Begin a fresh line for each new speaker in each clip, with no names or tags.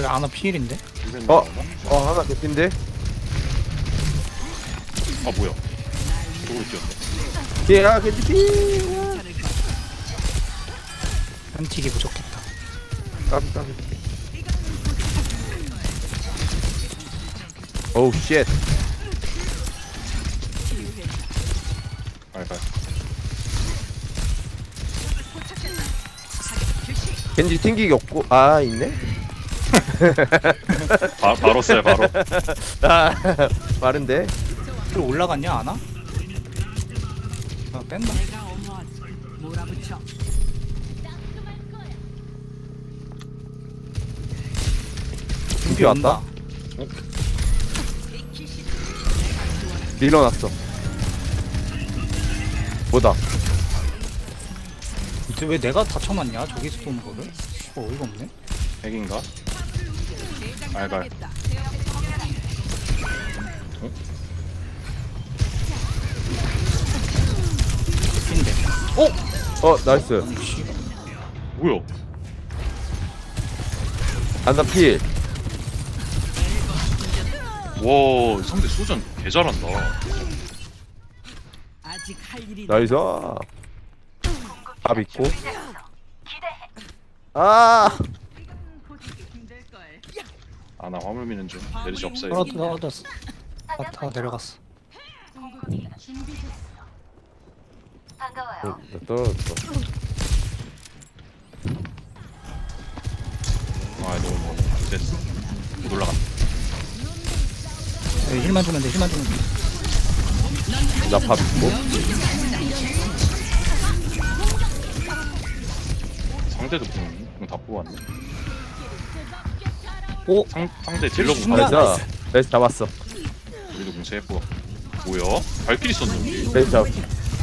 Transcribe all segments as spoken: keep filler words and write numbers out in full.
왜 아나 피일인데?
어? 어 하나 개핀데?
아 뭐야? 저걸 뛰었네.
뒤에야 개피.
한틱이 부족했다.
까비 까비. 오우 쉣.
알갈.
겐지 튕기기 없고 아 있네?
바, 바로 써요 바로.
아 빠른데?
또 올라갔냐 아나? 아 뺀다.
튕기 왔다? 밀어놨어. 뭐다?
이제 왜 내가 다쳐맞냐? 저기서 쏘는 거를? 어, 어이가 없네.
핵인가? 알갈.
핀데.
어 나이스.
아니 씨.
뭐야?
안다 필.
와 상대 소전 개 잘한다.
아직 할 일이
나이스. 밥 있고. 아
아나 화물 미는 중. 내리지 없어요.
떨어졌어, 떨어졌어. 아, 다 내려갔어.
어, 나 떨어졌어.
아 너무 뭐 됐어. 못 올라간다.
네, 힐만 주면 돼, 힐만 주면 돼.
나 밥 있고.
상대도 공, 공다 뽑았네.
오!
상, 상대 딜러 공
순간-
다
나이스. 나이스 잡았어.
우리도 공 세고. 뭐야? 발길이 썼는데.
나이스 잡.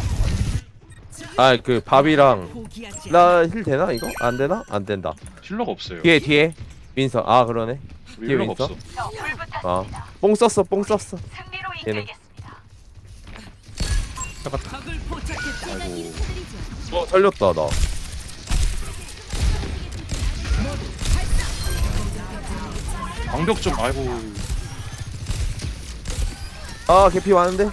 아그 밥이랑
포기하지
나 힐 되나 이거? 안 되나? 안 된다.
힐러가 없어요.
뒤에 뒤에 윈서. 아 그러네.
우리
뒤에
힐러가
윈서?
없어.
아뽕 썼어 뽕 썼어. 얘는.
적을 포착했다.
아이고.
어 살렸다 나.
방벽 좀 아이고.
아 개피 많은데?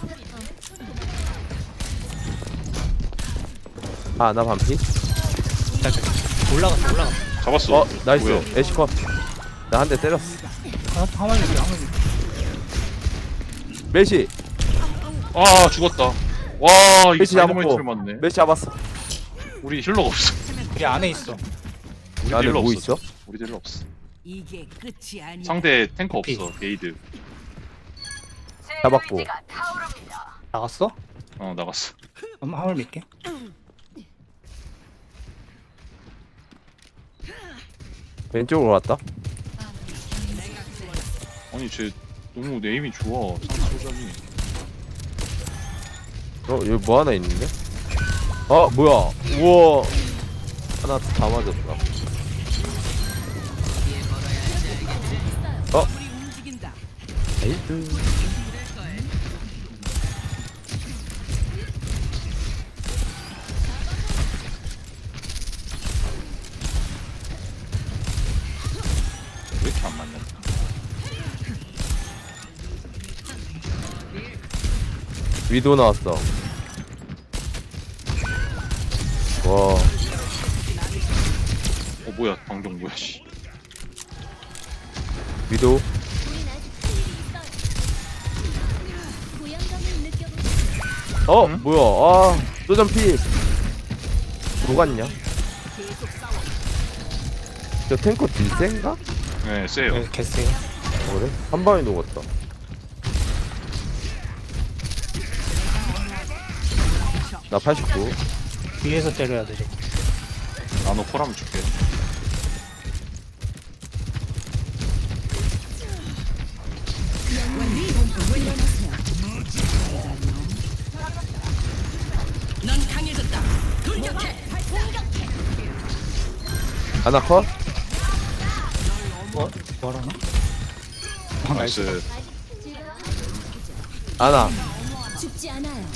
아 나 반피?
자, 자, 올라갔어, 올라갔어.
잡았어.
어 나이스.
뭐야?
애쉬컷. 나 한 대 때렸어.
하나, 하나만 줄게, 하나만 줄게.
메시.
아 죽었다. 와 이게
메시 잡았고.
다이너마이트를 맞네.
메시 잡았어.
우리 힐러가 없어.
우리 안에 있어.
우리
안에
힐러
뭐
없어.
있어?
우리 힐러 없어.
이게 끝이 아니야.
상대 탱커
오케이.
없어. 게이드.
잡았고.
나갔어?
어 나갔어.
그럼 화물 밀게.
왼쪽으로 왔다.
아니 쟤 너무 네임이 좋아. 상대 소전이.
어 여기 뭐 하나 있는데? 어 뭐야? 우와. 하나 다 맞았다. 어?
우리 움직인다.
에이드.
왜 이렇게 안 맞냐?
위도 나왔어. 와.
어 뭐야 방금 뭐야 씨.
위도. 어
응?
뭐야? 아 소전피. 녹았냐? 저 탱커 딜센가?
네 세요.
네, 개쎄요.
그래? 한 방에 녹았다. 나 팔십구.
위에서 때려야 돼, 저거.
나노 콜하면 줄게.
넌 강해졌다. 돌격해.
하나 컷?
뭐, 뭐라나? 아, 나이스.
나이스.
하나.
죽지 않아요.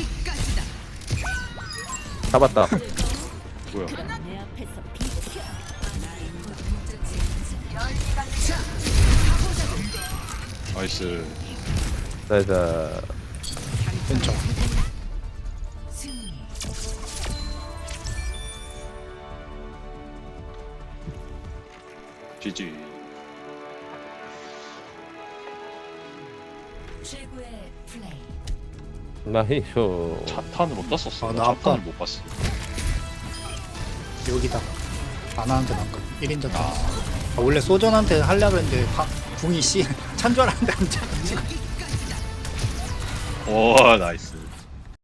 여기까지다.
잡았다.
뭐야?
내 앞에서 비켜.
나이스.
나이스.
왼쪽.
지지.
최고의 플레이.
나이스.
자탄을 어디다 썼어?
아,
나
나 아까-
자탄을 못 봤어.
여기다가 안 하는데 난가 일 인자 아, 원래 소전한테 하려고 했는데 바, 궁이 씨 찬 줄 알았는데 안 찬.
오 나이스.